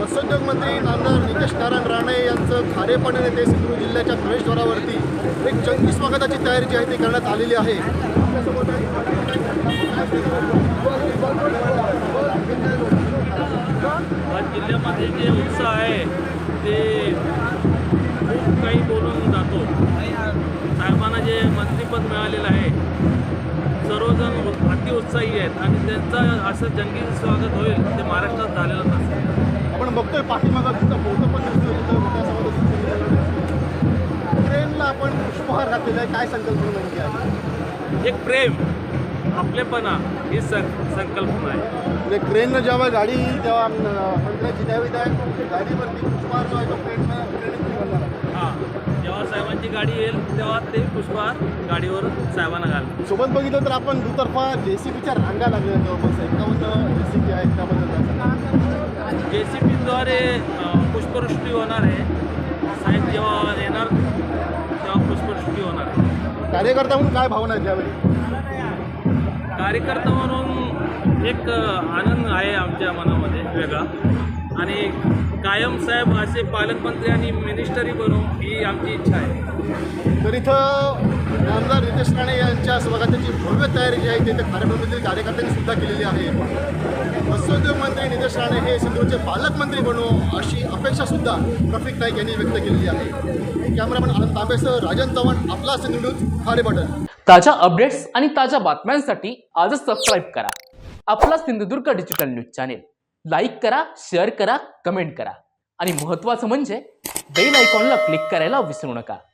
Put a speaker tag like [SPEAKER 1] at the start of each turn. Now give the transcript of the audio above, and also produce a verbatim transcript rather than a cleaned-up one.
[SPEAKER 1] मत्स्योद्योग मंत्री नामदार नितेश नारायण राणे यांचं खारेपाटण येथे सिंधुदुर्ग जिल्ह्याच्या प्रवेशद्वारावरती एक जंगी स्वागताची तयारी जी आहे ती करण्यात आलेली आहे।
[SPEAKER 2] जिल्ह्यामध्ये जे उत्साह आहे ते खूप काही बोलून जातो। साहेबांना जे मंत्रिपद मिळालेलं आहे सर्वजण अति उत्साही आहेत आणि त्यांचं असं जंगी स्वागत होईल ते महाराष्ट्रात झालेलं नसेल।
[SPEAKER 1] आपण बघतोय पाठीमागं तिथं फोटो पण दिसतोय, तिथं मोठ्या समाजात ट्रेनला आपण पुष्पहार घातलेला आहे। काय संकल्पना नेमकी आहे?
[SPEAKER 2] एक प्रेम आपलेपणा ही सं संकल्पना आहे।
[SPEAKER 1] म्हणजे ट्रेननं जेव्हा गाडी जेव्हा मंत्र्याची त्यावेळी त्या गाडीवरती पुष्पहार जो आहे तो ट्रेननं ट्रेनने निघाला आहे।
[SPEAKER 2] हां, जेव्हा साहेबांची गाडी येईल तेव्हा ते पुष्पहार गाडीवर साहेबांना घाल।
[SPEAKER 1] सोबत बघितलं तर आपण दुतर्फा जे सी बीच्या रांगा लागल्या जवळपास एकावन्न जे सी बी आहेत, त्याबद्दल
[SPEAKER 2] जे सी बीद्वारे पुष्पवृष्टी होणार आहे। साहेब जेव्हा येणार तेव्हा पुष्पवृष्टी होणार आहे।
[SPEAKER 1] कार्यकर्ता म्हणून काय भावना आहेत त्यावेळी?
[SPEAKER 2] कार्यकर्ता म्हणून एक आनंद आहे आमच्या मनामध्ये वेगळा, आणि कायम साहेब असे पालकमंत्री आणि मिनिस्टरी बनू ही आमची इच्छा आहे।
[SPEAKER 1] तर इथं नामदार नितेश राणे यांच्या स्वागताची भव्य तयारी जी आहे ती इथे खारेपाटणमधील कार्यकर्त्यांनी सुद्धा केलेली आहे। मत्स्योद्योग मंत्री नितेश राणे हे सिंधुदुर्गचे पालकमंत्री बनू अशी अपेक्षा सुद्धा रफिक नाईक यांनी व्यक्त केलेली आहे। कॅमेरामॅन आनंद तांबेसह राजन चव्हाण, आपला सिंधुदुर्ग, खारेपाटण।
[SPEAKER 3] ताज्या अपडेट्स आणि ताज्या बातम्यांसाठी आजच सबस्क्राईब करा आपला Sindhudurg digital news channel. Like करा, शेअर करा, कमेंट करा आणि महत्त्वाचं म्हणजे बेल आयकॉनला क्लिक करायला विसरू नका।